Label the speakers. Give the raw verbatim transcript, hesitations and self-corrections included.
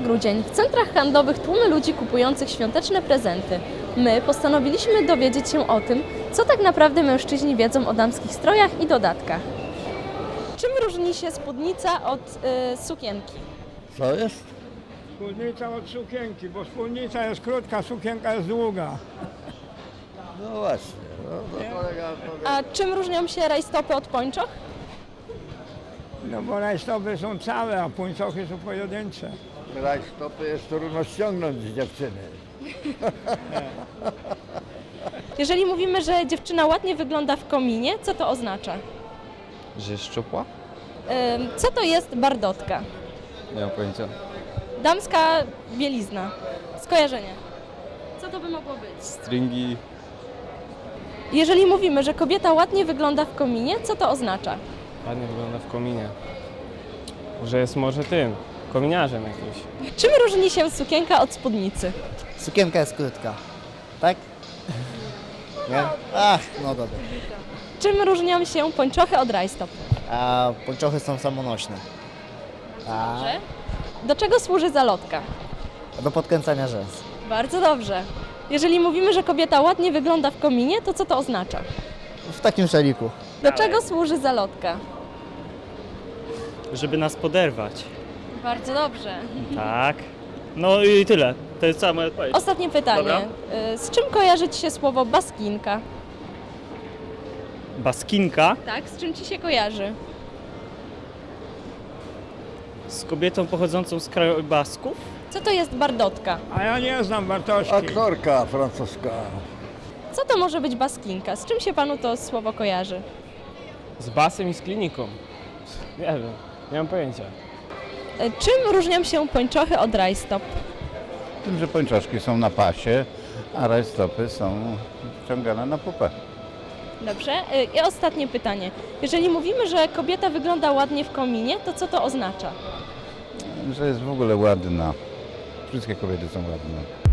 Speaker 1: grudzień. W centrach handlowych tłumy ludzi kupujących świąteczne prezenty. My postanowiliśmy dowiedzieć się o tym, co tak naprawdę mężczyźni wiedzą o damskich strojach i dodatkach. Czym różni się spódnica od y, sukienki?
Speaker 2: Co jest?
Speaker 3: Spódnica od sukienki, bo spódnica jest krótka, sukienka jest długa.
Speaker 2: No właśnie. No, to kolega powie.
Speaker 1: A czym różnią się rajstopy od pończoch?
Speaker 3: No bo rajstopy są całe, a puńcochy są pojedyncze.
Speaker 2: Rajstopy jest trudno ściągnąć z dziewczyny.
Speaker 1: Jeżeli mówimy, że dziewczyna ładnie wygląda w kominie, co to oznacza?
Speaker 4: Że jest szczupła?
Speaker 1: Ym, co to jest bardotka?
Speaker 4: Nie mam pojęcia.
Speaker 1: Damska bielizna. Skojarzenie. Co to by mogło być?
Speaker 4: Stringi,
Speaker 1: Jeżeli mówimy, że kobieta ładnie wygląda w kominie, co to oznacza?
Speaker 5: Ładnie wygląda w kominie. Że jest może tym, kominiarzem jakimś.
Speaker 1: Czym różni się sukienka od spódnicy?
Speaker 6: Sukienka jest krótka, tak? Nie? Ach, no dobra.
Speaker 1: Czym różnią się pończochy od rajstop?
Speaker 6: A pończochy są samonośne. A
Speaker 1: Że? Do czego służy zalotka?
Speaker 6: do podkręcania rzęs.
Speaker 1: Bardzo dobrze. Jeżeli mówimy, że kobieta ładnie wygląda w kominie, to co to oznacza?
Speaker 6: W takim szaliku.
Speaker 1: Do czego służy zalotka?
Speaker 7: Żeby nas poderwać.
Speaker 1: Bardzo dobrze.
Speaker 7: Tak. No i tyle. To jest cała moja odpowiedź.
Speaker 1: Ostatnie pytanie.
Speaker 7: Dobra.
Speaker 1: Y, Z czym kojarzy Ci się słowo baskinka?
Speaker 7: Baskinka
Speaker 1: Tak, z czym Ci się kojarzy?
Speaker 7: z kobietą pochodzącą z kraju Basków.
Speaker 1: Co to jest bardotka?
Speaker 3: A ja nie znam Bartoszki.
Speaker 2: Aktorka francuska.
Speaker 1: Co to może być baskinka? Z czym się Panu to słowo kojarzy?
Speaker 5: Z basem i z kliniką. Nie wiem, nie mam pojęcia.
Speaker 1: Y, Czym różnią się pończochy od rajstop?
Speaker 8: Tym, że pończoszki są na pasie, a rajstopy są wciągane na pupę.
Speaker 1: Dobrze. Y, I ostatnie pytanie. Jeżeli mówimy, że kobieta wygląda ładnie w kominie, to co to oznacza?
Speaker 8: Że jest w ogóle ładna. Wszystkie kobiety są ładne.